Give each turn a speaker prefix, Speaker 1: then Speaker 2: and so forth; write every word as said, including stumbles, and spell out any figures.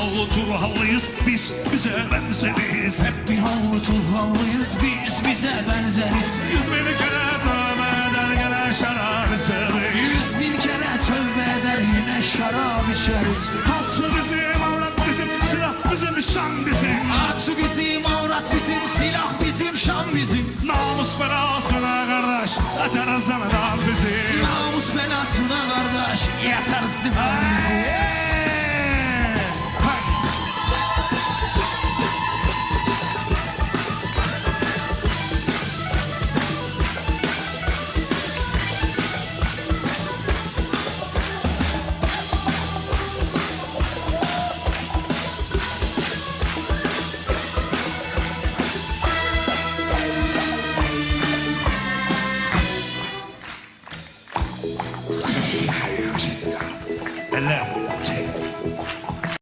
Speaker 1: Binalı Turhallıyız biz, bize benzeriz.
Speaker 2: Hep binalı Turhallıyız biz, bize benzeriz.
Speaker 1: Yüz bin kere tövbe eder gene şarap içeriz.
Speaker 2: Yüz bin kere tövbe eder yine şarap içeriz.
Speaker 1: Hatı bizim, avrat bizim, silah bizim, şan bizim.
Speaker 2: Atı bizim, avrat bizim, silah bizim, şan bizim.
Speaker 1: Namus belasına kardeş, yeter zanadan bizim.
Speaker 2: Namus belasına kardeş, yeter zıman bizi.